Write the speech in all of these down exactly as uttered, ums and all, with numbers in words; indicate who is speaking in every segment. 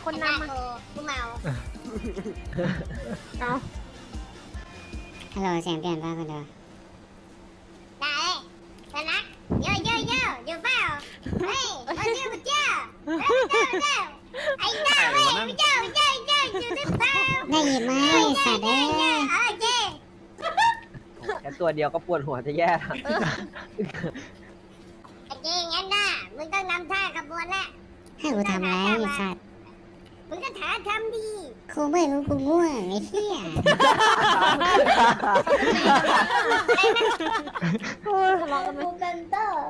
Speaker 1: คนนำมา
Speaker 2: กูเมา
Speaker 1: เอา
Speaker 3: ฮัลโหลเสียงเปลี่ยนป่ะคุณเดอ
Speaker 2: ได้ชนะเยอะเยอะเยอะอยู่เปล่าเฮ้ยมาเจ้ามาเจ้าเจ้าไอ้เจ้าเฮ้ยเจ้าเจ้าเจ้าอยู่หรือเปล่า
Speaker 3: ได้ยินไหมสัตว์เอ้ย
Speaker 2: เออเจ้
Speaker 4: แค่ตัวเดียวก็ปวดหัวจะแย่แล้ว
Speaker 2: ไอ้เจ้งั้นน่ะมึงต้องนำท่าขบวนละ
Speaker 3: ให้กูทำอะไรไอ้สัตว์
Speaker 2: มึงก็ถาทำดี
Speaker 3: กูไม่รู้กูง่วงไอ้เหี้ย
Speaker 1: ทะเลาะกันไหม
Speaker 2: กูเป็นเตอร์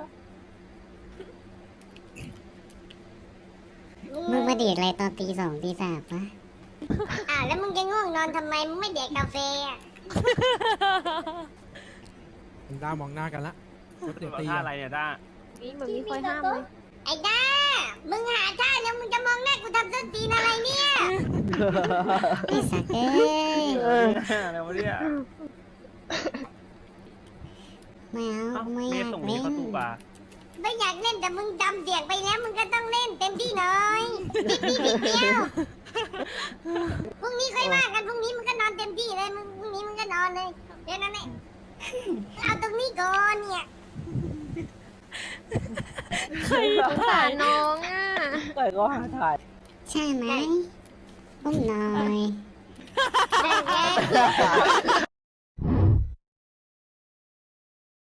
Speaker 3: มึงมาดีดอะไรตอนตีสองตีสามวะ
Speaker 2: อ่าวแล้วมึงจะง่วงนอนทำไมมึงไม่เด็กกาแฟอ่ะ
Speaker 5: ด้ามองหน้ากันละเดี๋ยวตี
Speaker 6: ท่า
Speaker 5: กัน
Speaker 6: อะไรเนี่ยด้า
Speaker 1: นี่เหมือนมีคอยห้ามเลย
Speaker 2: ไอ้ด้ามึงหาท่าแล้วมึงจะมองหน้ากูทำส้นตีนอะไรเนี่ย
Speaker 3: ไอ้สัตว์เอ้ย
Speaker 6: อะไรวะเนี่ย
Speaker 3: ไม่เอา
Speaker 6: เอ้า
Speaker 3: ไม่อ
Speaker 6: เม
Speaker 3: ยา
Speaker 6: ย์
Speaker 3: ก
Speaker 6: ส่ง
Speaker 3: เล่
Speaker 6: นี้
Speaker 3: น
Speaker 6: เข้าตู้ปลา
Speaker 2: ไม่อยากเล่นแต่มึงจำเสียงไปแล้วมึงก็ต้องเล่นเต็มที่หน่อยนิดนิดนิดเดียวพรุ่งนี้ค่อยว่ากันพรุ่งนี้มึงก็นอนเต็มที่เลยมึงพรุ่งนี้มึงก็นอนเลยเดี๋ยวนั้นแหละเอาตรงนี้ก่อนเนี่ย
Speaker 1: สงสารน้องอ่ะ
Speaker 4: เกิดก็หาถ่าย
Speaker 3: ใช่ไหมอุ้มหน่อย
Speaker 2: นั่นไง